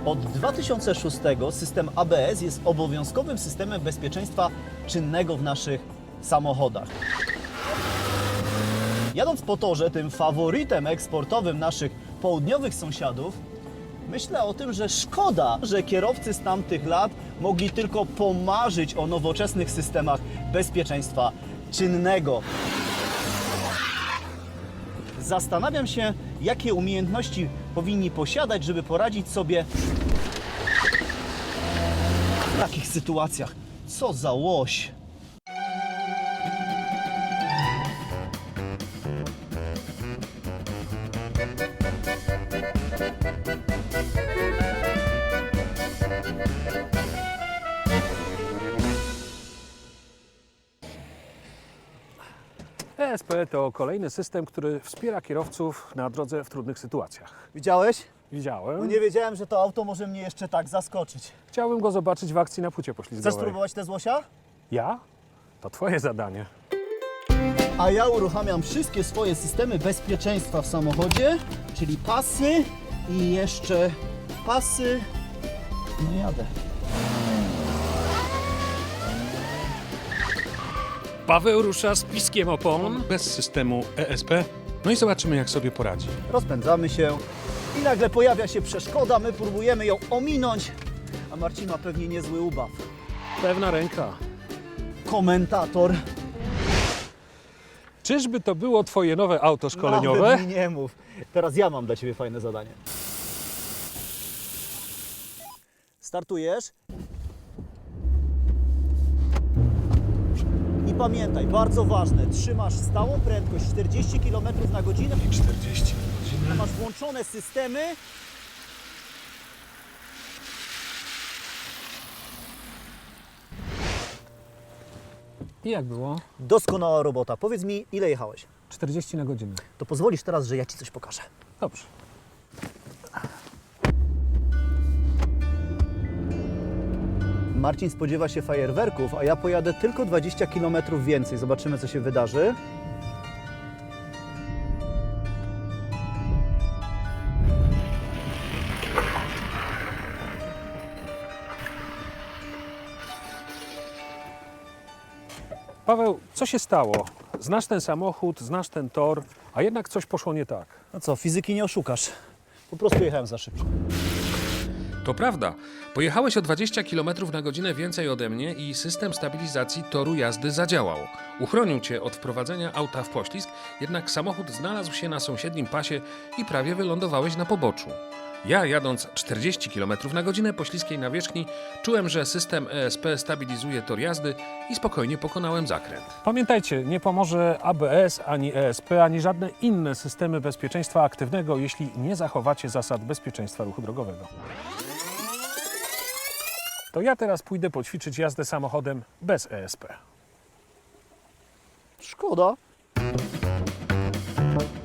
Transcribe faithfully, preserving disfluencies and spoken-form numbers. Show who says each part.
Speaker 1: Od dwa tysiące szóstego system A B S jest obowiązkowym systemem bezpieczeństwa czynnego w naszych samochodach. Jadąc po torze, tym faworytem eksportowym naszych południowych sąsiadów, myślę o tym, że szkoda, że kierowcy z tamtych lat mogli tylko pomarzyć o nowoczesnych systemach bezpieczeństwa czynnego. Zastanawiam się, jakie umiejętności powinni posiadać, żeby poradzić sobie w takich sytuacjach. Co za łoś!
Speaker 2: E S P to kolejny system, który wspiera kierowców na drodze w trudnych sytuacjach.
Speaker 1: Widziałeś?
Speaker 2: Widziałem.
Speaker 1: No nie wiedziałem, że to auto może mnie jeszcze tak zaskoczyć.
Speaker 2: Chciałbym go zobaczyć w akcji na płycie
Speaker 1: Chcesz
Speaker 2: poślizgowej.
Speaker 1: spróbować te złosia?
Speaker 2: Ja? To twoje zadanie.
Speaker 1: A ja uruchamiam wszystkie swoje systemy bezpieczeństwa w samochodzie, czyli pasy i jeszcze pasy. No jadę.
Speaker 3: Paweł rusza z piskiem opon.
Speaker 4: Bez systemu E S P. No i zobaczymy, jak sobie poradzi.
Speaker 1: Rozpędzamy się i nagle pojawia się przeszkoda, my próbujemy ją ominąć, a Marcin ma pewnie niezły ubaw.
Speaker 2: Pewna ręka.
Speaker 1: Komentator.
Speaker 2: Czyżby to było twoje nowe auto szkoleniowe?
Speaker 1: Nawet mi nie mów. Teraz ja mam dla Ciebie fajne zadanie. Startujesz. I pamiętaj, bardzo ważne, trzymasz stałą prędkość czterdzieści kilometrów na godzinę.
Speaker 4: czterdzieści na godzinę.
Speaker 1: Masz włączone systemy.
Speaker 2: I jak było?
Speaker 1: Doskonała robota. Powiedz mi, ile jechałeś?
Speaker 2: czterdzieści na godzinę.
Speaker 1: To pozwolisz teraz, że ja Ci coś pokażę.
Speaker 2: Dobrze.
Speaker 1: Marcin spodziewa się fajerwerków, a ja pojadę tylko dwadzieścia kilometrów więcej. Zobaczymy, co się wydarzy.
Speaker 2: Paweł, co się stało? Znasz ten samochód, znasz ten tor, a jednak coś poszło nie tak.
Speaker 1: No co, fizyki nie oszukasz. Po prostu jechałem za szybko.
Speaker 4: To prawda. Pojechałeś o dwadzieścia kilometrów na godzinę więcej ode mnie i system stabilizacji toru jazdy zadziałał. Uchronił cię od wprowadzenia auta w poślizg, jednak samochód znalazł się na sąsiednim pasie i prawie wylądowałeś na poboczu. Ja, jadąc czterdzieści kilometrów na godzinę po śliskiej nawierzchni, czułem, że system E S P stabilizuje tor jazdy i spokojnie pokonałem zakręt.
Speaker 2: Pamiętajcie, nie pomoże A B S, ani E S P, ani żadne inne systemy bezpieczeństwa aktywnego, jeśli nie zachowacie zasad bezpieczeństwa ruchu drogowego. To ja teraz pójdę poćwiczyć jazdę samochodem bez E S P.
Speaker 1: Szkoda.